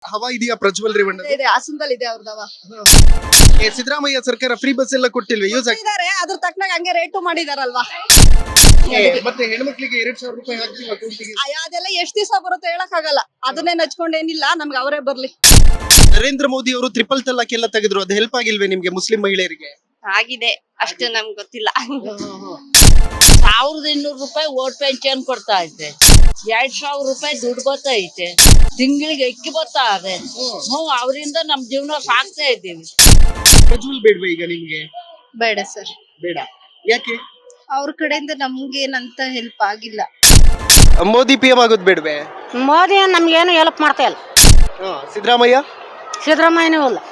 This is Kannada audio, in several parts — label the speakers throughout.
Speaker 1: ಹವಾ ಇದೆಯಾ ಪ್ರಜ್ವಲ್ ರೇವಣ್ಣ?
Speaker 2: ಇದೆ ಹಾಸನದಲ್ಲಿ ಇದೆ ಅವ್ರದವ
Speaker 1: ಸಿದ್ದರಾಮಯ್ಯ ಸರ್ಕಾರ ಫ್ರೀ ಬಸ್ ಎಲ್ಲ ಕೊಟ್ಟಿಲ್ವೇ? ಯೂಸ್
Speaker 2: ಇದಾರೆ ಅದ್ರ ತಕ್ಕನಾಗ ಹಂಗೆ ರೇಟು ಮಾಡಿದಾರಲ್ವಾ.
Speaker 1: ಮತ್ತೆ ಹೆಣ್ಮಕ್ಳಿಗೆ 2,000 ರೂಪಾಯಿ ಹಾಕ್ತೀವಿ ಅಕೌಂಟಿಗೆ.
Speaker 2: ಅದೆಲ್ಲ ಎಷ್ಟ್ ದಿವಸ ಬರುತ್ತೆ ಹೇಳಕ್ ಆಗಲ್ಲ. ಅದನ್ನೇ ನಚ್ಕೊಂಡೇನಿಲ್ಲ, ನಮ್ಗೆ ಅವರೇ ಬರ್ಲಿ.
Speaker 1: ನರೇಂದ್ರ ಮೋದಿ ಅವರು ಟ್ರಿಪಲ್ ತಲಾಕ್ ಎಲ್ಲ ತೆಗೆದ್ರು, ಅದು ಹೆಲ್ಪ್ ಆಗಿಲ್ವೇ ನಿಮ್ಗೆ ಮುಸ್ಲಿಂ ಮಹಿಳೆಯರಿಗೆ?
Speaker 2: ಆಗಿದೆ, ಅಷ್ಟು ನಮ್ಗೆ ಗೊತ್ತಿಲ್ಲ.
Speaker 3: 1200 ರೂಪಾಯಿ ಓಟ್ ಪೆನ್ಷನ್ ಕೊಡ್ತಾ ಐತೆ, 2000 ರೂಪಾಯಿ ದುಡ್ಡು ಬರ್ತಾ ಐತೆ, ತಿಂಗಳಿಗೆ ಅಕ್ಕಿ ಬರ್ತಾ ಇದೆ. ಅವರಿಂದ ನಮ್ ಜೀವನ ಸಾಕ್ತಾ ಇದ್ದೀವಿ.
Speaker 1: ಪ್ರಜ್ವಲ್ ಬೇಡ್ವಾ ಈಗ ನಿಮ್ಗೆ?
Speaker 2: ಬೇಡ ಸರ್,
Speaker 1: ಬೇಡ. ಯಾಕೆ?
Speaker 2: ಅವ್ರ ಕಡೆಯಿಂದ ನಮ್ಗೇನಂತ ಹೆಲ್ಪ್ ಆಗಿಲ್ಲ.
Speaker 1: ಮೋದಿ PM ಆಗೋದು ಬೇಡ್ವೆ?
Speaker 4: ಮೋದಿ ನಮ್ಗೇನು ಹೆಲ್ಪ್ ಮಾಡ್ತಾ ಇಲ್ಲ.
Speaker 1: ಸಿದ್ದರಾಮಯ್ಯ?
Speaker 4: ಸಿದ್ದರಾಮಯ್ಯನೂ ಇಲ್ಲ.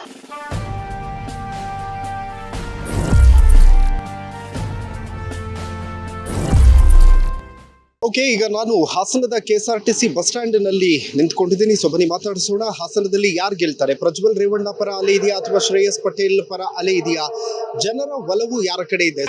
Speaker 1: ಓಕೆ, ಈಗ ನಾನು ಹಾಸನದ KSRTC ಬಸ್ ಸ್ಟ್ಯಾಂಡ್ ನಲ್ಲಿ ನಿಂತ್ಕೊಂಡಿದ್ದೀನಿ. ಸೊ ಬನ್ನಿ ಮಾತಾಡಿಸೋಣ. ಹಾಸನದಲ್ಲಿ ಯಾರು ಗೆಲ್ತಾರೆ? ಪ್ರಜ್ವಲ್ ರೇವಣ್ಣ ಪರ ಅಲೆ ಇದೆಯಾ ಅಥವಾ ಶ್ರೇಯಸ್ ಪಟೇಲ್ ಪರ ಅಲೆ ಇದೆಯಾ? ಜನರ ಒಲವು ಯಾರ ಕಡೆ ಇದೆ?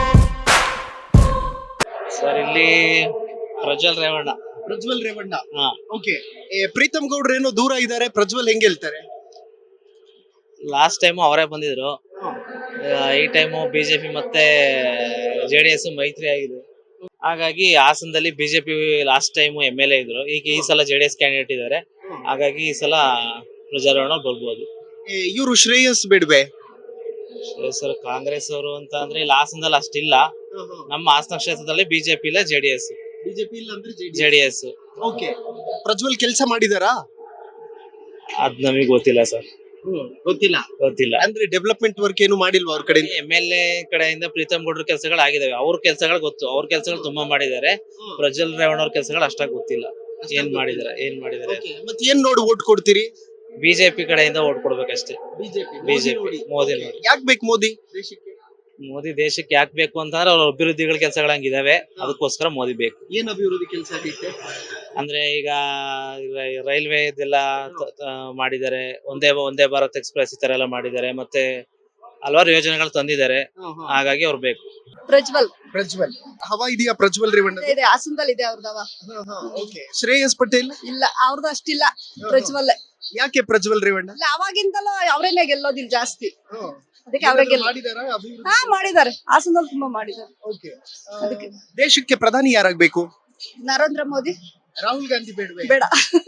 Speaker 5: ಸರ್ ಇಲ್ಲಿ ಪ್ರಜ್ವಲ್ ರೇವಣ್ಣ.
Speaker 1: ಪ್ರಜ್ವಲ್ ರೇವಣ್ಣ. ಓಕೆ, ಪ್ರೀತಮ್ ಗೌಡ್ರು ಏನೋ ದೂರ ಇದ್ದಾರೆ, ಪ್ರಜ್ವಲ್ ಹೆಂಗ್ ಗೆಲ್ತಾರೆ?
Speaker 5: ಲಾಸ್ಟ್ ಟೈಮ್ ಅವರೇ ಬಂದಿದ್ರು, ಈ ಟೈಮು ಬಿಜೆಪಿ ಮತ್ತೆ JDS ಮೈತ್ರಿ ಆಗಿದೆ. ಹಾಗಾಗಿ ಹಾಸನದಲ್ಲಿ ಬಿಜೆಪಿ ಲಾಸ್ಟ್ ಟೈಮ್ MLA ಇದ್ರು, ಈಗ ಈ ಸಲ JDS ಕ್ಯಾಂಡಿಡೇಟ್ ಇದ್ದಾರೆ. ಹಾಗಾಗಿ ಈ ಸಲ ಪ್ರಜ್ವಲ್ ರೇವಣ್ಣ ಬರ್ಬೋದು.
Speaker 1: ಇವರು ಶ್ರೇಯಸ್ ಬೇಡ್ವೆ?
Speaker 5: ಸರ್ ಕಾಂಗ್ರೆಸ್ ಅವರು ಅಂತ ಅಂದ್ರೆ ಇಲ್ಲಿ ಹಾಸನದಲ್ಲಿ ಅಷ್ಟಿಲ್ಲ. ನಮ್ಮ ಹಾಸನ ಕ್ಷೇತ್ರದಲ್ಲಿ ಬಿಜೆಪಿ ಇಲ್ಲ, JDS.
Speaker 1: ಬಿಜೆಪಿ ಇಲ್ಲ ಅಂದ್ರೆ
Speaker 5: JDS.
Speaker 1: ಓಕೆ, ಪ್ರಜ್ವಲ್ ಕೆಲಸ ಮಾಡಿದಾರಾ?
Speaker 5: ಅದ್ ನಮಗೆ ಗೊತ್ತಿಲ್ಲ ಸರ್, ಗೊತ್ತಿಲ್ಲ.
Speaker 1: ಅಂದ್ರೆ ಡೆವಲಪ್ಮೆಂಟ್ ವರ್ಕ್ ಏನು ಮಾಡಿಲ್ವಾ ಅವ್ರ ಕಡೆ?
Speaker 5: MLA ಕಡೆಯಿಂದ ಪ್ರೀತಮ್ ಗೌಡ್ರ ಕೆಲಸಗಳು ಆಗಿದಾವೆ, ಅವ್ರ ಕೆಲಸಗಳು ಗೊತ್ತು, ಅವ್ರ ಕೆಲಸಗಳು ತುಂಬಾ ಮಾಡಿದ್ದಾರೆ. ಪ್ರಜ್ವಲ್ ರೇವಣ್ಣ ಅವ್ರ ಕೆಲಸಗಳು ಅಷ್ಟಾಗಿ ಗೊತ್ತಿಲ್ಲ, ಏನ್ ಮಾಡಿದಾರೆ.
Speaker 1: ಮತ್ತೆ ಏನ್ ನೋಡಿ ಓಟ್ ಕೊಡ್ತೀರಿ?
Speaker 5: ಬಿಜೆಪಿ ಕಡೆಯಿಂದ ಓಟ್ ಕೊಡ್ಬೇಕಷ್ಟೇ. ಬಿಜೆಪಿ ಮೋದಿ ನೋಡಿ.
Speaker 1: ಯಾಕೆ ಬೇಕು ಮೋದಿ ದೇಶಕ್ಕೆ?
Speaker 5: ಮೋದಿ ದೇಶಕ್ಕೆ ಯಾಕೆ ಬೇಕು ಅಂತಂದ್ರೆ ಅವ್ರ ಅಭಿವೃದ್ಧಿಗಳ ಕೆಲಸಗಳು ಹಂಗಿದಾವೆ, ಅದಕ್ಕೋಸ್ಕರ ಮೋದಿ ಬೇಕು.
Speaker 1: ಏನ್ ಅಭಿವೃದ್ಧಿ ಕೆಲಸ ಆಗೈತೆ?
Speaker 5: ಅಂದ್ರೆ ಈಗ ರೈಲ್ವೆ ಇದೆಲ್ಲ ಮಾಡಿದ್ದಾರೆ, ಒಂದೇ ಭಾರತ್ ಎಕ್ಸ್ಪ್ರೆಸ್ ಈ ತರ ಎಲ್ಲ ಮಾಡಿದ್ದಾರೆ, ಮತ್ತೆ ಹಲವಾರು ಯೋಜನೆಗಳು ತಂದಿದ್ದಾರೆ. ಹಾಗಾಗಿ ಅವ್ರು ಬೇಕು.
Speaker 2: ಪ್ರಜ್ವಲ್
Speaker 1: ಹವಾ ಇದೆಯಾ ಪ್ರಜ್ವಲ್ ರೇವಣ್ಣ?
Speaker 2: ಇದೆ ಹಾಸನದಲ್ಲಿ ಇದೆ ಅವ್ರದವ
Speaker 1: ಶ್ರೇಯಸ್ ಪಟೇಲ್
Speaker 2: ಇಲ್ಲ, ಅವ್ರದ್ದು ಅಷ್ಟಿಲ್ಲ. ಪ್ರಜ್ವಲ್.
Speaker 1: ಯಾಕೆ ಪ್ರಜ್ವಲ್ ರೇವಣ್ಣ?
Speaker 2: ಇಲ್ಲ, ಅವಾಗಿಂದಲೂ ಅವರೇನೆ ಗೆಲ್ಲೋದಿಲ್ಲ ಜಾಸ್ತಿ, ಅದಕ್ಕೆ ಅವರೇ ಮಾಡಿದ್ದಾರೆ. ಹಾಸನದಲ್ಲಿ ತುಂಬಾ ಮಾಡಿದ್ದಾರೆ. ಅದಕ್ಕೆ
Speaker 1: ದೇಶಕ್ಕೆ ಪ್ರಧಾನಿ ಯಾರಾಗ್ಬೇಕು?
Speaker 2: ನರೇಂದ್ರ ಮೋದಿ.
Speaker 1: ರಾಹುಲ್ ಗಾಂಧಿ ಬೇಡವೆ?
Speaker 2: ಬೇಡ.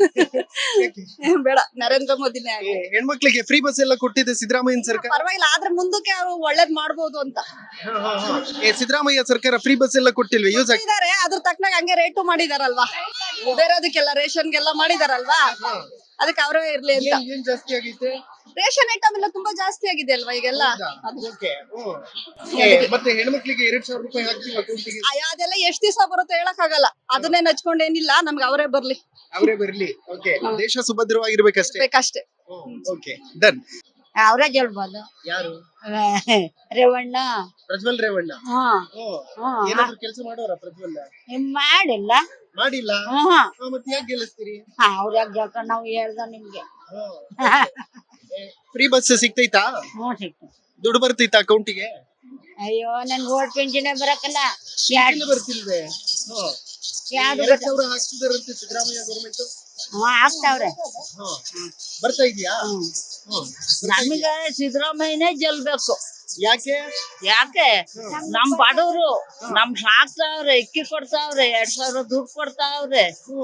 Speaker 2: ಬೇಡ, ನರೇಂದ್ರ ಮೋದಿನೇ ಆಗಲಿ.
Speaker 1: ಹೆಣ್ಮಕ್ಳಿಗೆ ಫ್ರೀ ಬಸ್ ಎಲ್ಲ ಕೊಟ್ಟಿದೆ ಸಿದ್ದರಾಮಯ್ಯ ಸರ್ಕಾರ.
Speaker 2: ಪರವಾಗಿಲ್ಲ, ಆದ್ರೆ ಮುಂದಕ್ಕೆ ಅವ್ರು ಒಳ್ಳೇದ್ ಮಾಡ್ಬೋದು ಅಂತ.
Speaker 1: ಸಿದ್ದರಾಮಯ್ಯ ಸರ್ಕಾರ ಫ್ರೀ ಬಸ್ ಎಲ್ಲ ಕೊಟ್ಟಿಲ್ವೇ? ಯೂಸ್
Speaker 2: ಇದಾರೆ, ಅದ್ರ ತಕ್ಕನಾಗ ಹಂಗೆ ರೇಟು ಮಾಡಿದಾರಲ್ವಾ. ಬೇರೆದಕ್ಕೆಲ್ಲ ರೇಷನ್ಗೆಲ್ಲ ಮಾಡಿದಾರಲ್ವಾ, ಅದಕ್ಕೆ ಅವರೇ ಇರ್ಲಿ ಅಂತ.
Speaker 1: ಏನ್ ಜಾಸ್ತಿ ಆಗೈತೆ?
Speaker 2: ರೇಷನ್ ಐಟಮ್ ಎಲ್ಲ ತುಂಬಾ ಜಾಸ್ತಿ ಆಗಿದೆ ಅಲ್ವಾ ಈಗೆಲ್ಲ.
Speaker 1: ಮತ್ತೆ ಹೆಣ್ಮಕ್ಳಿಗೆ 2,000 ರೂಪಾಯಿ ಹಾಕ್ತೀವಿ ಅಕೌಂಟಿಗೆ.
Speaker 2: ಅದೆಲ್ಲ ಎಷ್ಟ್ ದಿವಸ ಬರುತ್ತೆ ಹೇಳಕ್ ಆಗಲ್ಲ. ಅದನ್ನೇ ನಚ್ಕೊಂಡೇನಿಲ್ಲ, ನಮ್ಗೆ ಅವರೇ ಬರ್ಲಿ.
Speaker 1: ಅವರೇ ಬರ್ಲಿ. ಓಕೆ, ದೇಶ ಸುಭದ್ರವಾಗಿರ್ಬೇಕಷ್ಟೇ.
Speaker 2: ಬೇಕಷ್ಟೇ.
Speaker 1: Okay, done.
Speaker 4: ಅವರೇ ಗೆಲ್ಬೋದು.
Speaker 1: ಯಾರು?
Speaker 4: ರೇವಣ್ಣ.
Speaker 1: ಪ್ರಜ್ವಲ್ ರೇವಣ್ಣ. ಏನಾದ್ರು ಕೆಲಸ ಮಾಡೋರ ಪ್ರಜ್ವಲ್?
Speaker 4: ಮಾಡಿಲ್ಲ.
Speaker 1: ಮಾಡಿಲ್ಲ? ಮತ್ತೆ ಯಾಕೆ ಗೆಲ್ಲಿಸ್ತೀರಿ?
Speaker 4: ಅವ್ರ ಯಾಕೆ ಗೆಲ್ತಾರ, ನಾವು ಹೇಳ್ದ ನಿಮ್ಗೆ.
Speaker 1: ಫ್ರೀ ಬಸ್ ಸಿಗ್ತೈತಾ?
Speaker 4: ಸಿಕ್ತು.
Speaker 1: ದುಡ್ಡು ಬರ್ತೈತಾ ಅಕೌಂಟಿಗೆ?
Speaker 4: ಅಯ್ಯೋ, ನನ್ ಓಟ್ ಪೆನ್ಷನ್ ಬರಕಲ್ಲ.
Speaker 1: ಬರ್ತಿಲ್ವೇ?
Speaker 4: ಯಾವ್ದು
Speaker 1: 2,000 ಹಾಕ್ತಿದಾರಂತೆ ಸಿದ್ದರಾಮಯ್ಯ ಗೌರ್ಮೆಂಟ್.
Speaker 4: ಹಾಕ್ತಾವ್ರೆ.
Speaker 1: ಬರ್ತಾ ಇದೆಯಾ?
Speaker 3: ನಮಗೆ ಸಿದ್ದರಾಮಯ್ಯನೇ ಗೆಲ್ಬೇಕು.
Speaker 1: ಯಾಕೆ?
Speaker 3: ನಮ್ ಬಡವರು ನಮ್ ಸಾಕ್ತಾವ್ರೆ, ಅಕ್ಕಿ ಕೊಡ್ತಾವ್ರೆ, 2,000 ದುಡ್ಡು ಕೊಡ್ತಾವ್ರೆ.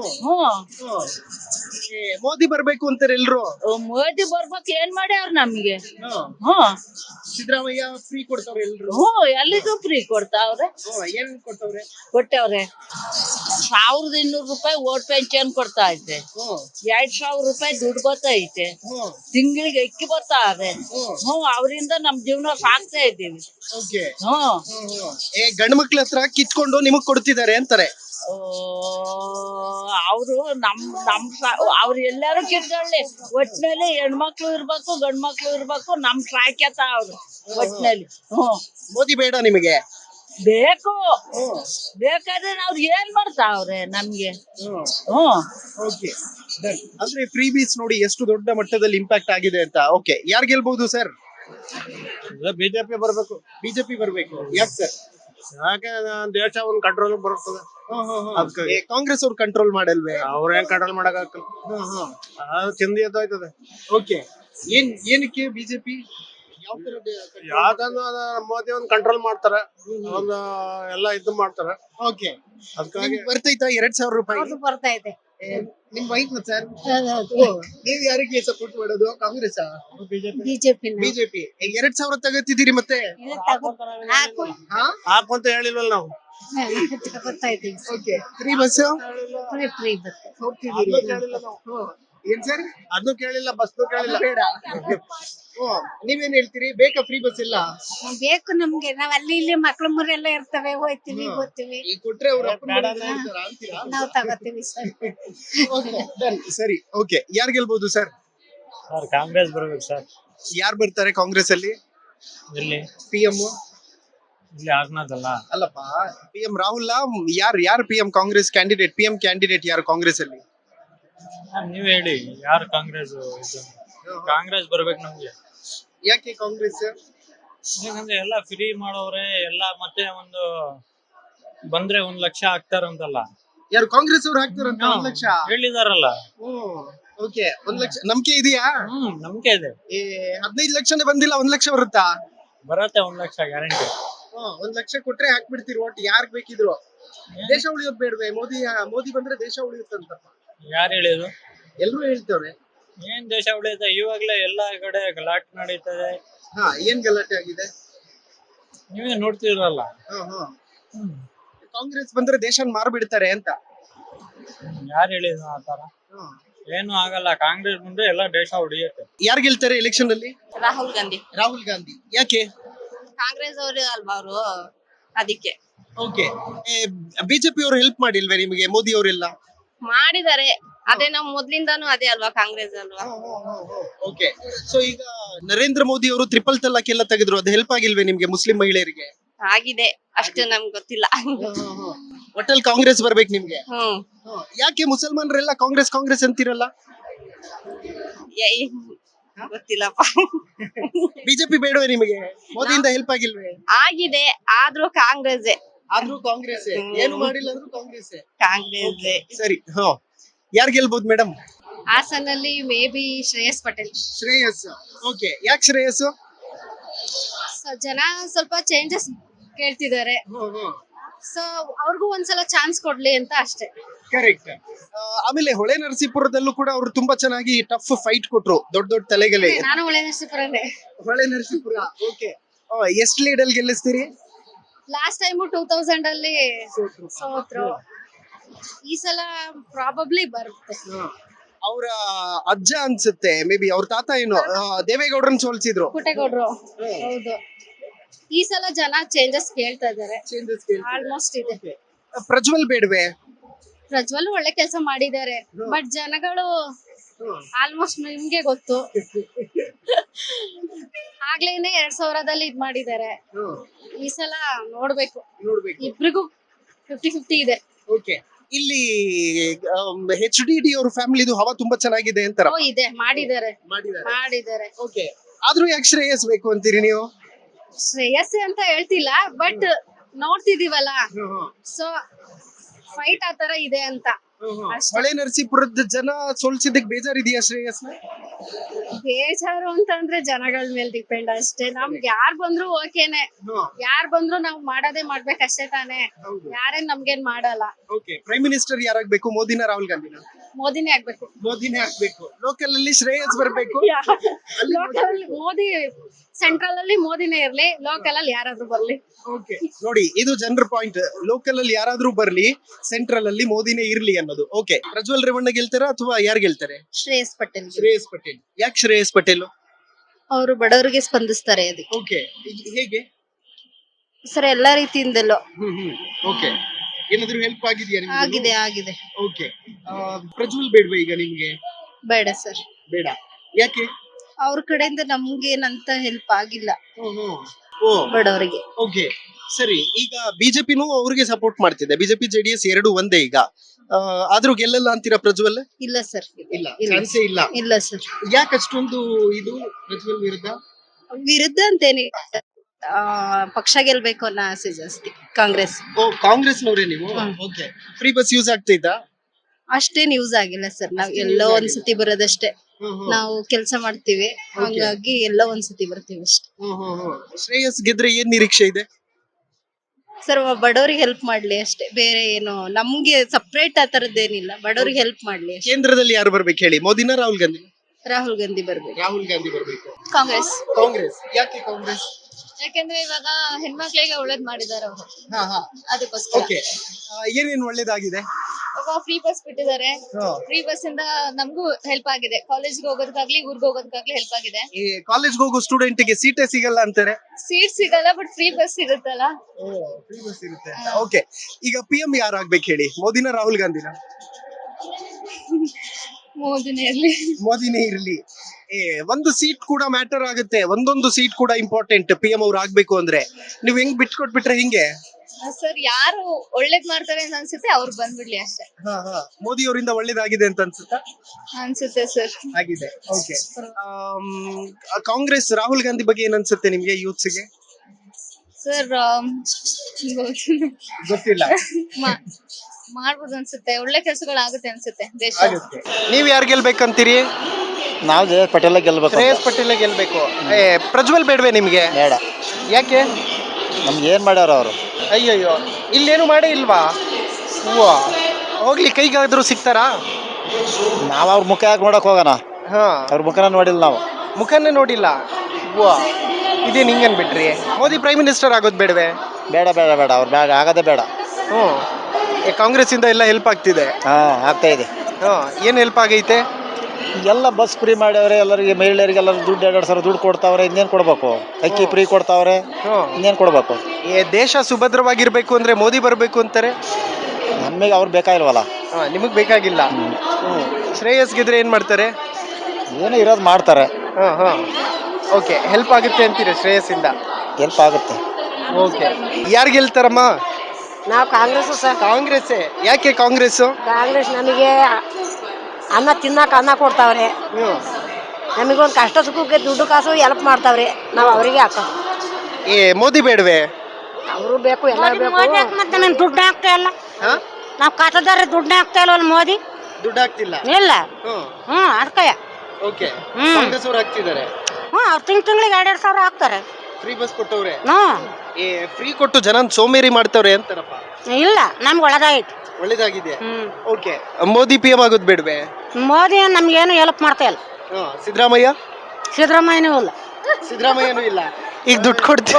Speaker 1: ಮೋದಿ ಬರ್ಬೇಕು ಅಂತಾರೆ ಎಲ್ರು.
Speaker 3: ಮೋದಿ ಬರ್ಬೇಕು, ಏನ್ ಮಾಡ್ಯಾವ್ರ ನಮ್ಗೆ?
Speaker 1: ಸಿದ್ದರಾಮಯ್ಯ ಫ್ರೀ ಕೊಡ್ತಾವ್ರೆ ಎಲ್ರು.
Speaker 3: ಎಲ್ಲಿಗೂ ಫ್ರೀ ಕೊಡ್ತಾವ್ರೆ.
Speaker 1: ಏನ್ ಕೊಡ್ತಾವ್ರೆ?
Speaker 3: ಕೊಟ್ಟವ್ರೆ. 1200 ರೂಪಾಯಿ ಓಟ್ ಪೆನ್ಷನ್ ಕೊಡ್ತಾ ಐತೆ, 2000 ರೂಪಾಯಿ ದುಡ್ಡು ಬರ್ತಾ ಐತೆ, ತಿಂಗಳಿಗೆ ಅಕ್ಕಿ ಬರ್ತಾ ಇದೆ. ಅವರಿಂದ ನಮ್ ಜೀವನ ಸಾಕ್ತಾ ಇದ್ದೀವಿ.
Speaker 1: ಗಂಡು ಮಕ್ಳ ಹತ್ರ ಕಿತ್ಕೊಂಡು ನಿಮಗ್ ಕೊಡ್ತಿದ್ದಾರೆ ಅಂತಾರೆ.
Speaker 3: ಅವರು ಅವ್ರು ಎಲ್ಲಾರು ಕಿತ್ಕೊಳ್ಳಿ, ಒಟ್ಟಿನಲ್ಲಿ ಹೆಣ್ಮಕ್ಳು ಇರ್ಬೇಕು, ಗಂಡ್ ಮಕ್ಳು ಇರ್ಬೇಕು, ನಮ್ ಸಾಕ್ಯತ ಅವ್ರು ಒಟ್ಟಿನಲ್ಲಿ.
Speaker 1: ಮೋದಿ ಬೇಡ ನಿಮಗೆ?
Speaker 3: ಬೇಕು. ಬೇಕಾದ್ರೆ ಅವ್ರು ಏನ್ ಮಾಡ್ತಾವ್ರೆ ನಮ್ಗೆ?
Speaker 1: ಅಂದ್ರೆ ಫ್ರೀ ಬೀಸ್ ನೋಡಿ ಎಷ್ಟು ದೊಡ್ಡ ಮಟ್ಟದಲ್ಲಿ ಇಂಪ್ಯಾಕ್ಟ್ ಆಗಿದೆ ಅಂತ. ಓಕೆ, ಯಾರು ಗೆಲ್ಬಹುದು ಸರ್?
Speaker 5: ಬಿಜೆಪಿ ಬರ್ಬೇಕು.
Speaker 1: ಬಿಜೆಪಿ ಬರ್ಬೇಕು. ಯಾಕೆ ಸರ್?
Speaker 6: ಯಾಕೆ ದೇಶ ಒಂದ್ ಕಂಟ್ರೋಲ್ ಬರ್ತದೆ. ಅದ್ಕಾಗಿ.
Speaker 1: ಕಾಂಗ್ರೆಸ್ ಅವ್ರು ಕಂಟ್ರೋಲ್ ಮಾಡಲ್ವೇ?
Speaker 6: ಅವ್ರೇನ್ ಕಂಟ್ರೋಲ್ ಮಾಡಕ್ ಚಿಂದಿ ಎದ್ದೋಯ್ತದೆ.
Speaker 1: ಓಕೆ. ಏನಕ್ಕೆ ಬಿಜೆಪಿ ಯಾವ ತರ
Speaker 6: ಯಾವ್ದನ್ನ ಮೋದಿ ಒಂದ್ ಕಂಟ್ರೋಲ್ ಮಾಡ್ತಾರೆ, ಒಂದು ಎಲ್ಲ ಇದು ಮಾಡ್ತಾರೆ.
Speaker 1: ಓಕೆ.
Speaker 6: ಅದ್ಕಾಗಿ
Speaker 1: ಬರ್ತೈತಾ 2,000 ರೂಪಾಯಿ?
Speaker 4: ಹೌದು ಬರ್ತಾ ಇದೆ.
Speaker 1: ನಿಮ್ ವೈಫ್ ಸರ್
Speaker 4: ಹೌದೌದು.
Speaker 1: ನೀವ್ ಯಾರಿಗೆ ಸಪೋರ್ಟ್ ಮಾಡೋದು? Congress,
Speaker 4: BJP
Speaker 1: BJP? 2,000 ತಗೋತಿದ್ದೀರಿ ಮತ್ತೆ?
Speaker 6: ಹಾಕಂತ ಹೇಳಿಲ್ವಲ್ಲ ನಾವು.
Speaker 4: ತಗೋತಾ ಇದ್ದೀವಿ.
Speaker 1: ಓಕೆ. ಫ್ರೀ ಬಸ್
Speaker 4: ಫ್ರೀ ಬರುತ್ತೆ.
Speaker 1: ಹೋಗ್ತಿದ್ದೀರಿ? ಏನ್ ಸರ್?
Speaker 6: ಅದನ್ನು ಕೇಳಿಲ್ಲ, ಬಸ್ನು ಕೇಳಿಲ್ಲ.
Speaker 1: ಬೇಡ. ನೀವೇನ್ ಹೇಳ್ತೀರಿ? ಬೇಕಾ ಫ್ರೀ ಬಸ್ ಇಲ್ಲ?
Speaker 4: ಬೇಕು ನಮ್ಗೆ. ನಾವ್ ಅಲ್ಲಿ ಇಲ್ಲಿ ಮಕ್ಳು ಮುರೆಲ್ಲ ಇರ್ತವೆ, ಹೋಯ್ತಿವಿ ಬರ್ತೀವಿ.
Speaker 1: ಈ ಕೊಟ್ರೆ ಅವ್ರ ಅಪ್ಪನ ಮನೆಯಲ್ಲ ಇರ್ತಾರಾ ಅಂತೀರಾ?
Speaker 4: ನಾವ್ ತಗೋತೀವಿ ಸರ್.
Speaker 1: Okay, done. ಸರಿ. ಓಕೆ. ಯಾರ್ ಗೆಲ್ಬಹುದು ಸರ್?
Speaker 7: ಸರ್ ಕಾಂಗ್ರೆಸ್ ಬರ್ಬೇಕು ಸರ್.
Speaker 1: ಯಾರು ಬರ್ತಾರೆ ಕಾಂಗ್ರೆಸ್ ಅಲ್ಲಿ?
Speaker 7: ಇಲ್ಲಿ
Speaker 1: PM?
Speaker 7: ಇಲ್ಲಿ ಆಗ್ನದಲ್ಲ.
Speaker 1: ಅಲ್ಲಪ್ಪ, PM ರಾಹುಲ್ ಯಾರು PM Congress candidate? PM candidate ಯಾರು ಕಾಂಗ್ರೆಸ್ ಅಲ್ಲಿ?
Speaker 7: ನೀವ್ ಹೇಳಿ ಯಾರು ಕಾಂಗ್ರೆಸ್ ಇದು? ಕಾಂಗ್ರೆಸ್ ಬರ್ಬೇಕು ನಮ್ಗೆ.
Speaker 1: ಯಾಕೆ ಕಾಂಗ್ರೆಸ್?
Speaker 7: ಯಾಕಂದ್ರೆ ಎಲ್ಲ ಫ್ರೀ ಮಾಡೋರೆ ಎಲ್ಲ, ಮತ್ತೆ ಒಂದು ಬಂದ್ರೆ 1 ಲಕ್ಷ ಹಾಕ್ತಾರಂತಲ್ಲ.
Speaker 1: ಯಾರು ಕಾಂಗ್ರೆಸ್ ಅವ್ರು ಹಾಕ್ತಾರಂತ 1 ಲಕ್ಷ?
Speaker 7: ಹೇಳಿದಾರಲ್ಲ.
Speaker 1: ಓಕೆ. 1 ಲಕ್ಷ ನಂಬಿಕೆ ಇದೆಯಾ?
Speaker 7: ನಂಬಿಕೆ ಇದೆ.
Speaker 1: 15 ಲಕ್ಷನೇ ಬಂದಿಲ್ಲ, 1 ಲಕ್ಷ ಬರುತ್ತಾ?
Speaker 7: ಬರತ್ತೆ 1 ಲಕ್ಷ ಗ್ಯಾರಂಟಿ.
Speaker 1: 1 ಲಕ್ಷ ಕೊಟ್ರೆ ಹಾಕ್ಬಿಡ್ತೀರಿ ಒಟ್ಟು ಯಾರ್ಗ್ ಬೇಕಿದ್ರು. ದೇಶ ಉಳಿಯೋದ್ ಬೇಡ್ವೆ? ಮೋದಿ ಬಂದ್ರೆ ದೇಶ ಉಳಿಯುತ್ತಂತ
Speaker 7: ಯಾರು ಹೇಳಿದ್ರು?
Speaker 1: ಎಲ್ರು ಹೇಳ್ತವ್ರೆ.
Speaker 7: ಏನ್ ದೇಶ ಉಳಿಯುತ್ತೆ? ಇವಾಗ್ಲೇ ಎಲ್ಲಾ ಕಡೆ ಗಲಾಟೆ ನಡೀತದೆ.
Speaker 1: ಏನ್ ಗಲಾಟೆ ಆಗಿದೆ?
Speaker 7: ನೀವೇ ನೋಡ್ತಿರಲ್ಲ.
Speaker 1: ಕಾಂಗ್ರೆಸ್ ಬಂದ್ರೆ ದೇಶ ಮಾರ್ಬಿಡ್ತಾರೆ ಅಂತ
Speaker 7: ಯಾರು ಹೇಳಿದ್ರು ಆತರ? ಏನು ಆಗಲ್ಲ. ಕಾಂಗ್ರೆಸ್ ಮುಂದೆ ಎಲ್ಲ ದೇಶ ಉಳಿಯುತ್ತೆ.
Speaker 1: ಯಾರು ಗೆಲ್ತಾರೆ ಎಲೆಕ್ಷನ್ ಅಲ್ಲಿ?
Speaker 2: ರಾಹುಲ್ ಗಾಂಧಿ.
Speaker 1: ರಾಹುಲ್ ಗಾಂಧಿ. ಯಾಕೆ?
Speaker 2: ಕಾಂಗ್ರೆಸ್ ಅವರು ಅಲ್ವಾ ಅವರು, ಅದಕ್ಕೆ.
Speaker 1: ಓಕೆ. ಬಿಜೆಪಿ ಅವರು ಹೆಲ್ಪ್ ಮಾಡಿಲ್ವೇ ನಿಮಗೆ, ಮೋದಿ ಅವರೆಲ್ಲ?
Speaker 2: ಮಾಡಿದ್ದಾರೆ. ಅದೇ ನಾವು ಮೊದ್ಲಿಂದಾನು ಅದೇ ಅಲ್ವಾ, ಕಾಂಗ್ರೆಸ್ ಅಲ್ವಾ.
Speaker 1: ಓಕೆ. ಸೊ ಈಗ ನರೇಂದ್ರ ಮೋದಿ ಅವರು ಟ್ರಿಪಲ್ ತಲಾಕ್ ಎಲ್ಲ ತೆಗೆದ್ರು, ಅದು ಹೆಲ್ಪ್ ಆಗಿಲ್ವೇ ನಿಮ್ಗೆ, ಮುಸ್ಲಿಂ ಮಹಿಳೆಯರಿಗೆ?
Speaker 2: ಆಗಿದೆ, ಅಷ್ಟು ನಮ್ಗೆ ಗೊತ್ತಿಲ್ಲ.
Speaker 1: ಒಟ್ಟಲ್ಲಿ ಕಾಂಗ್ರೆಸ್ ಬರ್ಬೇಕು ನಿಮ್ಗೆ.
Speaker 2: ಹ್ಮ್.
Speaker 1: ಯಾಕೆ ಮುಸಲ್ಮಾನರೆಲ್ಲ ಕಾಂಗ್ರೆಸ್ ಕಾಂಗ್ರೆಸ್ ಅಂತಿರಲ್ಲ?
Speaker 2: ಗೊತ್ತಿಲ್ಲಪ್ಪ.
Speaker 1: ಬಿಜೆಪಿ ಬೇಡವೇ ನಿಮಗೆ? ಮೋದಿಯಿಂದ ಹೆಲ್ಪ್ ಆಗಿಲ್ವೇ?
Speaker 2: ಆಗಿದೆ, ಆದ್ರೂ ಕಾಂಗ್ರೆಸ್.
Speaker 1: ಆದ್ರೂ ಕಾಂಗ್ರೆಸ್ ಏನು ಮಾಡಿಲ್ಲ ಅಂದ್ರೂ ಕಾಂಗ್ರೆಸ್.
Speaker 2: ಕಾಂಗ್ರೆಸ್.
Speaker 1: ಸರಿ. ಯಾರು ಗೆಲ್ಬಹುದು ಮೇಡಮ್?
Speaker 2: ಹಾಸನಲ್ಲಿ maybe Shreyas Patel.
Speaker 1: Shreyas. Okay. ಯಾಕೆ ಶ್ರೇಯಸ್?
Speaker 2: ಜನ ಸ್ವಲ್ಪ ಚೇಂಜಸ್ ಕೇಳ್ತಿದ್ದಾರೆ, ಸೊ ಅವ್ರಿಗೂ ಒಂದ್ಸಲ ಚಾನ್ಸ್ ಕೊಡ್ಲಿ ಅಂತ ಅಷ್ಟೇ.
Speaker 1: ಕರೆಕ್ಟ್. ಆಮೇಲೆ ಹೊಳೆ ನರಸೀಪುರದಲ್ಲೂ ಕೂಡ ಅವರು ತುಂಬಾ ಚೆನ್ನಾಗಿ ಟಫ್ ಫೈಟ್ ಕೊಟ್ರು, ದೊಡ್ಡ ದೊಡ್ಡ ತಲೆಗಳೇ.
Speaker 2: ನಾನು ಒಳ್ಳೆ ನರಸೀಪುರನೇ.
Speaker 1: ಹೊಳೆ ನರಸೀಪುರ. ಓಕೆ. ಎಷ್ಟು ಲೀಡ್ ಅಲ್ಲಿ ಗೆಲ್ಲಿಸ್ತೀರಿ?
Speaker 2: ಲಾಸ್ಟ್ ಟೈಮ್ 2000 ಅಲ್ಲಿ ಸೋತ್ರು. ಈ ಸಲ ಪ್ರಾಬಬ್ಲಿ ಬರುತ್ತೆ.
Speaker 1: ಅವರ ಅಜ್ಜ ಅನ್ಸುತ್ತೆ, ಮೇ ಬಿ ಅವ್ರ ತಾತ ಏನು ದೇವೇಗೌಡರನ್ನ ಸೋಲ್ಸಿದ್ರು.
Speaker 2: ಪುಟ್ಟೇಗೌಡ್ರು. ಹೌದು. ಈ ಸಲ ಜನ ಚೇಂಜಸ್ ಕೇಳ್ತಾ ಇದಾರೆ. ಆಲ್ಮೋಸ್ಟ್ ಇದೆ.
Speaker 1: ಪ್ರಜ್ವಲ್ ಬೇಡ್ವೆ?
Speaker 2: ಪ್ರಜ್ವಲ್ ಒಳ್ಳೆ ಕೆಲಸ ಮಾಡಿದ್ದಾರೆ, ಬಟ್ ಜನಗಳು ಆಲ್ಮೋಸ್ಟ್ ನಿಮ್ಗೆ ಗೊತ್ತು, ಆಗ್ಲೇನೆ 2000ದಲ್ಲಿ ಇದ್ ಮಾಡಿದ್ದಾರೆ. ಈ ಸಲ ನೋಡ್ಬೇಕು. ಇಬ್ರಿಗೂ 50-50 ಇದೆ.
Speaker 1: ಓಕೆ. ಇಲ್ಲಿ HDD ಅವ್ರ ಫ್ಯಾಮಿಲಿದು ಹವಾ ತುಂಬಾ ಚೆನ್ನಾಗಿದೆ ಅಂತಾರ.
Speaker 2: ಇದೆ, ಮಾಡಿದ್ದಾರೆ.
Speaker 1: ಓಕೆ. ಆದ್ರೂ ಯಾಕೆ ಶ್ರೇಯಸ್ ಬೇಕು ಅಂತೀರಿ ನೀವು?
Speaker 2: ಶ್ರೇಯಸ್ಸೆ ಅಂತ ಹೇಳ್ತಿಲ್ಲ, ಬಟ್ ನೋಡ್ತಿದೀವಲ್ಲ, ಸೊ ಫೈಟ್ ಆತರ ಇದೆ ಅಂತ.
Speaker 1: ಹೊಳೆ ನರಸೀಪುರದ ಜನ ಸೋಲ್ಸಿದ್ದಕ್ಕೆ ಬೇಜಾರಿದೆಯಾ ಶ್ರೇಯಸ್ನ?
Speaker 2: ಬೇಜಾರು ಅಂತಂದ್ರೆ ಜನಗಳ ಮೇಲೆ ಡಿಪೆಂಡ್ ಅಷ್ಟೇ. ನಮ್ಗೆ ಯಾರ್ ಬಂದ್ರು ಓಕೆನೆ, ಯಾರ್ ಬಂದ್ರು ನಾವ್ ಮಾಡೋದೇ ಮಾಡ್ಬೇಕಷ್ಟೇ ತಾನೇ. ಯಾರೇನ್ ನಮ್ಗೇನ್ ಮಾಡಲ್ಲ.
Speaker 1: ಓಕೆ. ಪ್ರೈಮ್ ಮಿನಿಸ್ಟರ್ ಯಾರಾಗ್ಬೇಕು? ಮೋದಿನ ರಾಹುಲ್ ಗಾಂಧಿನ?
Speaker 2: ಮೋದಿನೇ ಆಗ್ಬೇಕು.
Speaker 1: ಮೋದಿನೇ ಆಗ್ಬೇಕು. ಲೋಕಲ್ ಅಲ್ಲಿ ಶ್ರೇಯಸ್ ಬರ್ಬೇಕು.
Speaker 2: ಲೋಕಲ್ ಮೋದಿ, ಸೆಂಟ್ರಲ್ ಅಲ್ಲಿ ಮೋದಿನೇ ಇರ್ಲಿ, ಲೋಕಲ್ ಅಲ್ಲಿ ಯಾರಾದ್ರೂ ಬರ್ಲಿ.
Speaker 1: ಓಕೆ. ನೋಡಿ, ಇದು ಜನರ ಪಾಯಿಂಟ್. ಲೋಕಲ್ ಅಲ್ಲಿ ಯಾರಾದ್ರೂ ಬರ್ಲಿ, ಸೆಂಟ್ರಲ್ ಅಲ್ಲಿ ಮೋದಿನೇ ಇರ್ಲಿ ಅನ್ನೋದು. ಓಕೆ. ಪ್ರಜ್ವಲ್ ರೇವಣ್ಣ ಗೆಲ್ತಾರ ಅಥವಾ ಯಾರು ಗೆಲ್ತಾರೆ?
Speaker 2: ಶ್ರೇಯಸ್ ಪಟೇಲ್.
Speaker 1: ಶ್ರೇಯಸ್ ಪಟೇಲ್. ಯಾಕೆ ಶ್ರೇಯಸ್ ಪಟೇಲ್?
Speaker 2: ಅವರು ಬಡವರಿಗೆ ಸ್ಪಂದಿಸ್ತಾರೆ ಅದಕ್ಕೆ.
Speaker 1: ಓಕೆ. ಹೇಗೆ
Speaker 2: ಸರ್? ಎಲ್ಲಾ ರೀತಿಯಿಂದಲೂ.
Speaker 1: ಓಕೆ. ಏನಾದ್ರೂ ಹೆಲ್ಪ್ ಆಗಿದೆಯಾ ನಿಮ್ಗೆ?
Speaker 2: ಆಗಿದೆ.
Speaker 1: ಓಕೆ. ಪ್ರಜ್ವಲ್ ಬೇಡ್ವಾ ಈಗ ನಿಮ್ಗೆ?
Speaker 2: ಬೇಡ ಸರ್.
Speaker 1: ಬೇಡ. ಯಾಕೆ?
Speaker 2: ಅವ್ರ ಕಡೆಯಿಂದ ನಮ್ಗೇನಂತ ಹೆಲ್ಪ್ ಆಗಿಲ್ಲ
Speaker 1: ಓ.
Speaker 2: ಬಡವರಿಗೆ.
Speaker 1: ಓಕೆ. ಸರಿ. ಈಗ ಬಿಜೆಪಿನೂ ಅವ್ರಿಗೆ ಸಪೋರ್ಟ್ ಮಾಡ್ತಿದೆ. ಬಿಜೆಪಿ JDS ಎರಡು ಒಂದೇ ಈಗ. ಆದ್ರೂ ಗೆಲ್ಲಲ್ಲ ಅಂತೀರಾ ಪ್ರಜ್ವಲ್?
Speaker 2: ಇಲ್ಲ ಸರ್.
Speaker 1: ಇಲ್ಲ, ಚಾನ್ಸೇ ಇಲ್ಲ.
Speaker 2: ಇಲ್ಲ ಸರ್.
Speaker 1: ಯಾಕೆ ಅಷ್ಟೊಂದು ಇದು ಪ್ರಜ್ವಲ್ ವಿರುದ್ಧ?
Speaker 2: ವಿರುದ್ಧ ಅಂತೇನಿಲ್ಲ, ಪಕ್ಷ ಗೆಲ್ಬೇಕು ಅನ್ನೋ ಆಸೆ ಜಾಸ್ತಿ. ಕಾಂಗ್ರೆಸ್
Speaker 1: ಓ ಕಾಂಗ್ರೆಸ್ನವರೇ ನೀವು? ಓಕೆ. ಫ್ರೀ ಬಸ್ ಯೂಸ್ ಆಗ್ತೈತಾ?
Speaker 2: ಅಷ್ಟೇನ್ ಯೂಸ್ ಆಗಿಲ್ಲ ಸರ್. ನಾವ್ ಎಲ್ಲೋ ಒಂದ್ಸತಿ ಬರೋದಷ್ಟೇ. ನಾವು ಕೆಲಸ ಮಾಡ್ತೀವಿ, ಹಂಗಾಗಿ ಎಲ್ಲೋ ಒಂದ್ಸತಿ ಬರ್ತೀವಿ ಅಷ್ಟೇ.
Speaker 1: ಶ್ರೇಯಸ್ ಗೆದ್ರೆ ಏನ್ ನಿರೀಕ್ಷೆ ಇದೆ?
Speaker 2: ಸರ್ ಬಡವ್ರಿಗೆ ಹೆಲ್ಪ್ ಮಾಡ್ಲಿ ಅಷ್ಟೇ, ಬೇರೆ ಏನು ನಮ್ಗೆ ಸಪ್ರೇಟ್ ಆ ತರದ್ದೇನಿಲ್ಲ. ಬಡವ್ರಿಗೆ ಹೆಲ್ಪ್ ಮಾಡ್ಲಿ ಅಷ್ಟೇ.
Speaker 1: ಕೇಂದ್ರದಲ್ಲಿ ಯಾರು ಬರ್ಬೇಕು ಹೇಳಿ, ಮೋದಿನ ರಾಹುಲ್ ಗಾಂಧಿ?
Speaker 2: ರಾಹುಲ್ ಗಾಂಧಿ ಬರ್ಬೇಕು.
Speaker 1: ರಾಹುಲ್ ಗಾಂಧಿ ಬರ್ಬೇಕು.
Speaker 2: ಕಾಂಗ್ರೆಸ್.
Speaker 1: ಕಾಂಗ್ರೆಸ್ ಯಾಕೆ ಕಾಂಗ್ರೆಸ್?
Speaker 2: ಯಾಕಂದ್ರೆ ಇವಾಗ ಹೆಣ್ಮಕ್ಳಿಗೆ ಒಳ್ಳೇದ್ ಮಾಡಿದಾರೆ ಅವರು,
Speaker 1: ಹಾ ಹಾ.
Speaker 2: ಅದಕ್ಕೋಸ್ಕರ.
Speaker 1: ಓಕೆ. ಏನೇನ್ ಒಳ್ಳೇದಾಗಿದೆ?
Speaker 2: ಇವಾಗ ಫ್ರೀ ಬಸ್ ಬಿಟ್ಟಿದ್ದಾರೆ. ಫ್ರೀ ಬಸ್ ಇಂದ ನಮಗೂ ಹೆಲ್ಪ್ ಆಗಿದೆ. ಕಾಲೇಜ್ಗೆ ಹೋಗೋದಕ್ಕಾಗ್ಲಿ ಊರ್ಗ್ ಹೋಗೋದಕ್ಕಾಗ್ಲಿ ಹೆಲ್ಪ್ ಆಗಿದೆ.
Speaker 1: ಈ ಕಾಲೇಜ್ಗೆ ಹೋಗೋ ಸ್ಟೂಡೆಂಟ್ ಗೆ ಸೀಟೇ ಸಿಗಲ್ಲ ಅಂತಾರೆ.
Speaker 2: ಸೀಟ್ ಸಿಗಲ್ಲ, ಬಟ್ ಫ್ರೀ ಬಸ್ ಸಿಗುತ್ತಲ್ಲ.
Speaker 1: ಫ್ರೀ ಬಸ್ ಇರುತ್ತೆ. ಓಕೆ. ಈಗ PM ಯಾರಾಗ್ಬೇಕು ಹೇಳಿ, ಮೋದಿನ ರಾಹುಲ್ ಗಾಂಧಿನ?
Speaker 2: ಮೋದಿನೇ ಇರ್ಲಿ.
Speaker 1: ಮೋದಿನೇ ಇರ್ಲಿ. ಒಂದು ಸೀಟ್ ಕೂಡ ಮ್ಯಾಟರ್ ಆಗುತ್ತೆ, ಒಂದೊಂದು ಸೀಟ್ ಕೂಡ ಇಂಪಾರ್ಟೆಂಟ್. PM ಅವ್ರು ಆಗ್ಬೇಕು ಅಂದ್ರೆ ನೀವ್ ಹೆಂಗ್ ಬಿಟ್ಕೊಟ್ಬಿಟ್ರೆ ಹಿಂಗೆ?
Speaker 2: ಸರ್ ಯಾರು ಒಳ್ಳೇದ್ ಮಾಡ್ತಾರೆ ಅಂತ ಅನ್ಸುತ್ತೆ ಅವ್ರು ಬಂದ್ಬಿಡ್ಲಿ ಅಷ್ಟೇ.
Speaker 1: ಮೋದಿ ಅವರಿಂದ ಒಳ್ಳೇದಾಗಿದೆ ಅಂತ ಅನ್ಸುತ್ತಾ?
Speaker 2: ಅನ್ಸುತ್ತೆ ಸರ್.
Speaker 1: ಆಗಿದೆ. ಓಕೆ. ಕಾಂಗ್ರೆಸ್ ರಾಹುಲ್ ಗಾಂಧಿ ಬಗ್ಗೆ ಏನ್ ಅನ್ಸುತ್ತೆ ನಿಮ್ಗೆ, ಯೂತ್ಸ್ ಗೆ?
Speaker 2: ಸರ್
Speaker 1: ಗೊತ್ತಿಲ್ಲ.
Speaker 2: ಮಾಡ್ಬೋದು ಅನ್ಸುತ್ತೆ, ಒಳ್ಳೆ ಕೆಲಸಗಳಾಗುತ್ತೆ ಅನ್ಸುತ್ತೆ ದೇಶ.
Speaker 1: ನೀವ್ ಯಾರು ಗೆಲ್ಬೇಕಂತೀರಿ?
Speaker 8: ನಾವು ಜಯೇಶ್ ಪಟೇಲ್ ಗೆಲ್ಬೇಕು.
Speaker 1: ಶ್ರೇಯಸ್ ಪಟೇಲ್ ಗೆಲ್ಬೇಕು. ಪ್ರಜ್ವಲ್ ಬೇಡವೆ ನಿಮ್ಗೆ?
Speaker 8: ಬೇಡ.
Speaker 1: ಯಾಕೆ?
Speaker 8: ನಮ್ಗೆ ಏನ್ ಮಾಡ್ಯಾರ ಅವರು?
Speaker 1: ಅಯ್ಯಯ್ಯೋ, ಇಲ್ಲೇನು ಮಾಡೇ ಇಲ್ವಾ? ಹೋಗ್ಲಿ, ಕೈಗಾದ್ರೂ ಸಿಗ್ತಾರಾ?
Speaker 8: ನಾವ್ ಅವ್ರ ಮುಖ ಯಾಕೆ ನೋಡಕ್ ಹೋಗೋಣ? ಅವ್ರ ಮುಖನ ನೋಡಿಲ್ಲ ನಾವು.
Speaker 1: ಮುಖನೇ ನೋಡಿಲ್ಲ. ಇದೇನ್ ಹಿಂಗನ್ ಬಿಟ್ರಿ? ಮೋದಿ ಪ್ರೈಮ್ ಮಿನಿಸ್ಟರ್ ಆಗೋದ್ ಬೇಡವೆ?
Speaker 8: ಬೇಡ ಬೇಡ ಬೇಡ, ಅವ್ರು ಬೇಡ, ಆಗದೇ ಬೇಡ.
Speaker 1: ಕಾಂಗ್ರೆಸ್ ಇಂದ ಎಲ್ಲ ಹೆಲ್ಪ್ ಆಗ್ತಿದೆ.
Speaker 8: ಆಗ್ತಾ ಇದೆ.
Speaker 1: ಏನ್ ಹೆಲ್ಪ್ ಆಗೈತೆ?
Speaker 8: ಎಲ್ಲ ಬಸ್ ಫ್ರೀ ಮಾಡ್ಯಾವ್ರೆ, ಎಲ್ಲರಿಗೆ ಮಹಿಳೆಯರಿಗೆಲ್ಲ ದುಡ್ಡು 2,000 ದುಡ್ಡು ಕೊಡ್ತಾವ್ರೆ. ಇನ್ನೇನ್ ಕೊಡ್ಬೇಕು? ಅಕ್ಕಿ ಫ್ರೀ ಕೊಡ್ತಾವ್ರೆ, ಇನ್ನೇನ್ ಕೊಡ್ಬೇಕು?
Speaker 1: ದೇಶ ಸುಭದ್ರವಾಗಿರ್ಬೇಕು ಅಂದ್ರೆ ಮೋದಿ ಬರ್ಬೇಕು ಅಂತಾರೆ.
Speaker 8: ನಮಗೆ ಅವ್ರು ಬೇಕಾಗಿಲ್ವಲ್ಲ.
Speaker 1: ನಿಮಗ್ ಬೇಕಾಗಿಲ್ಲ. ಶ್ರೇಯಸ್ ಗೆದ್ರೆ ಏನ್ ಮಾಡ್ತಾರೆ?
Speaker 8: ಏನೋ ಇರೋದು ಮಾಡ್ತಾರೆ.
Speaker 1: ಓಕೆ. ಹೆಲ್ಪ್ ಆಗುತ್ತೆ ಅಂತೀರ ಶ್ರೇಯಸ್ ಇಂದ?
Speaker 8: ಹೆಲ್ಪ್ ಆಗುತ್ತೆ.
Speaker 1: ಓಕೆ. ಯಾರು ಗೆಲ್ತಾರಮ್ಮ?
Speaker 4: ನಾವು ಕಾಂಗ್ರೆಸ್ ಸರ್.
Speaker 1: ಕಾಂಗ್ರೆಸ್. ಯಾಕೆ ಕಾಂಗ್ರೆಸ್?
Speaker 4: ಕಾಂಗ್ರೆಸ್ ನಮಗೆ ಅನ್ನ ತಿನ್ನಕ ಅನ್ನ ಕೊಡ್ತಾವ್ರೆ, ನಮಗೊಂದು ಕಷ್ಟ ಸುಖಕ್ಕೆ ದುಡ್ಡು ಕಾಸು ಹೆಲ್ಪ್ ಮಾಡ್ತಾವ್ರೆ, ನಾವು ಅವರಿಗೆ ಹಾಕ.
Speaker 1: ಮೋದಿ ಬೇಡವೆ?
Speaker 4: ಅವರು ಬೇಕು, ಎಲ್ಲ ಬೇಕು. ಮತ್ತೆ ನಾನು ದುಡ್ಡು ಹಾಕ್ತಾ ಇಲ್ಲ, ನಾವು ಖಾತೆದಾರ ದುಡ್ಡು ಹಾಕ್ತಾ ಇಲ್ವಲ್ಲ ಮೋದಿ.
Speaker 1: ದುಡ್ಡು ಹಾಕ್ತಿಲ್ಲ
Speaker 4: ಇಲ್ಲ. ಅದಕ್ಕೆ
Speaker 1: ಓಕೆ. ಕಾಂಗ್ರೆಸ್ ಅವ್ರು ಹಾಕ್ತಿದ್ದಾರೆ.
Speaker 4: ಅವ್ರು ತಿಂಗಳಿಗೆ 2,000 ಹಾಕ್ತಾರೆ.
Speaker 1: ಫ್ರೀ ಬಸ್ ಕೊಟ್ಟವ್ರೆ. ಫ್ರೀ ಕೊಟ್ಟು ಜನ ಸೋಮೇರಿ ಮಾಡ್ತವ್ರೆ ಅಂತಾರಪ್ಪ.
Speaker 4: ಇಲ್ಲ, ನಮ್ಗೆ ಒಳ್ಳೇದಾಯ್ತು.
Speaker 1: ಒಳ್ಳೇದಾಗಿದೆ. ಓಕೆ. ಮೋದಿ PM ಆಗೋದ್ ಬೇಡವೆ?
Speaker 4: ಮೋದಿ ನಮ್ಗೇನು ಹೆಲ್ಪ್ ಮಾಡ್ತಾ ಇಲ್ಲ.
Speaker 1: ಸಿದ್ದರಾಮಯ್ಯ?
Speaker 4: ಸಿದ್ದರಾಮಯ್ಯನೂ ಇಲ್ಲ.
Speaker 1: ಸಿದ್ದರಾಮಯ್ಯನೂ ಇಲ್ಲ. ಈಗ ದುಡ್ಡು ಕೊಡ್ತೀವಿ.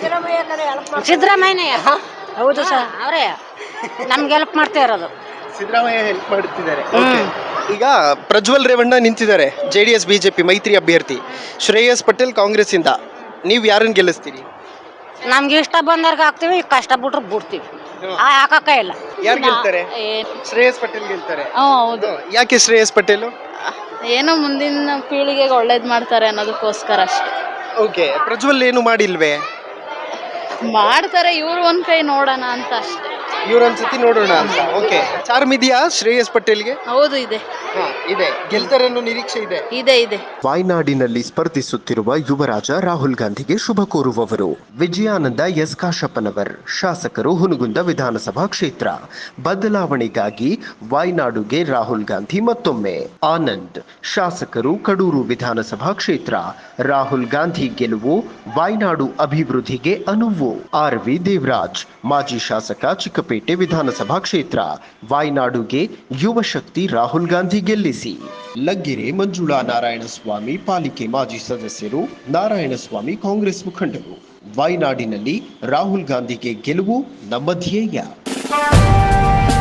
Speaker 4: ಸಿದ್ದರಾಮಯ್ಯನೇ. ಹೌದು ಸರ್, ಅವರೇ ನಮ್ಗೆ ಹೆಲ್ಪ್ ಮಾಡ್ತಾ ಇರೋದು.
Speaker 1: ಸಿದ್ದರಾಮಯ್ಯ ಹೆಲ್ಪ್ ಮಾಡುತ್ತಿದ್ದಾರೆ. ಈಗ ಪ್ರಜ್ವಲ್ ರೇವಣ್ಣ ನಿಂತಿದ್ದಾರೆ, JDS BJP ಮೈತ್ರಿ ಅಭ್ಯರ್ಥಿ. ಶ್ರೇಯಸ್ ಪಟೇಲ್ ಕಾಂಗ್ರೆಸ್ ಇಂದ. ನೀವ್ ಯಾರನ್ನ ಗೆಲ್ಲಿಸ್ತೀರಿ?
Speaker 4: ನಮ್ಗೆ ಇಷ್ಟ ಬಂದವ್ರಿಗೆ ಹಾಕ್ತಿವಿ, ಕಷ್ಟ ಬಿಟ್ರೆ ಬಿಡ್ತೀವಿ, ಹಾಕಕ್ಕ ಇಲ್ಲ.
Speaker 1: ಯಾರು ಗೆಲ್ತಾರೆ? ಶ್ರೇಯಸ್ ಪಟೇಲ್ ಗೆಲ್ತಾರೆ.
Speaker 2: ಹೌದು.
Speaker 1: ಯಾಕೆ ಶ್ರೇಯಸ್ ಪಟೇಲ್?
Speaker 2: ಏನೋ ಮುಂದಿನ ಪೀಳಿಗೆಗೆ ಒಳ್ಳೇದ್ ಮಾಡ್ತಾರೆ ಅನ್ನೋದಕ್ಕೋಸ್ಕರ ಅಷ್ಟೇ.
Speaker 1: ಓಕೆ. ಪ್ರಜ್ವಲ್ ಏನು ಮಾಡಿಲ್ವೇ?
Speaker 2: ಮಾಡ್ತಾರೆ, ಇವ್ರು ಒಂದ್ ಕೈ ನೋಡೋಣ ಅಂತ ಅಷ್ಟೇ.
Speaker 1: ಇವ್ರೊಂದ್ಸತಿ ನೋಡೋಣ ಅಂತ. ಓಕೆ. ಚಾರ್ಮ್ ಇದೆಯಾ ಶ್ರೇಯಸ್ ಪಟೇಲ್ಗೆ?
Speaker 2: ಹೌದು, ಇದೆ
Speaker 1: ಇದೆ. ಗೆಲ್ತಾರೆ ಅನ್ನೋ ನಿರೀಕ್ಷೆ ಇದೆ.
Speaker 2: ಇದೆ.
Speaker 9: ವಾಯ್ನಾಡಿನಲ್ಲಿ ಸ್ಪರ್ಧಿಸುತ್ತಿರುವ ಯುವರಾಜ ರಾಹುಲ್ ಗಾಂಧಿಗೆ ಶುಭ ಕೋರುವವರು ವಿಜಯಾನಂದ ಎಸ್ ಕಾಶಪ್ಪನವರ್, ಶಾಸಕರು ಹುನಗುಂದ ವಿಧಾನಸಭಾ ಕ್ಷೇತ್ರ. ಬದಲಾವಣೆಗಾಗಿ ವಾಯ್ನಾಡುಗೆ ರಾಹುಲ್ ಗಾಂಧಿ ಮತ್ತೊಮ್ಮೆ. ಆನಂದ್, ಶಾಸಕರು ಕಡೂರು ವಿಧಾನಸಭಾ ಕ್ಷೇತ್ರ. ರಾಹುಲ್ ಗಾಂಧಿ ಗೆಲುವು ವಾಯ್ನಾಡು ಅಭಿವೃದ್ಧಿಗೆ ಅನುವು. RV ದೇವರಾಜ್, ಮಾಜಿ ಶಾಸಕ ಚಿಕ್ಕಪೇಟೆ ವಿಧಾನಸಭಾ ಕ್ಷೇತ್ರ. ವಾಯ್ನಾಡುಗೆ ಯುವ ಶಕ್ತಿ ರಾಹುಲ್ ಗಾಂಧಿ ಗೆಲ್ಲಿಸಿ. ಲಗ್ಗೆರೆ ಮಂಜುಳಾ ನಾರಾಯಣಸ್ವಾಮಿ, ಪಾಲಿಕೆ ಮಾಜಿ ಸದಸ್ಯರು. ನಾರಾಯಣಸ್ವಾಮಿ ಕಾಂಗ್ರೆಸ್ ಮುಖಂಡರು. ವಾಯ್ನಾಡಿನಲ್ಲಿ ರಾಹುಲ್ ಗಾಂಧಿಗೆ ಗೆಲುವು ನಮ್ಮ ಧ್ಯೇಯ.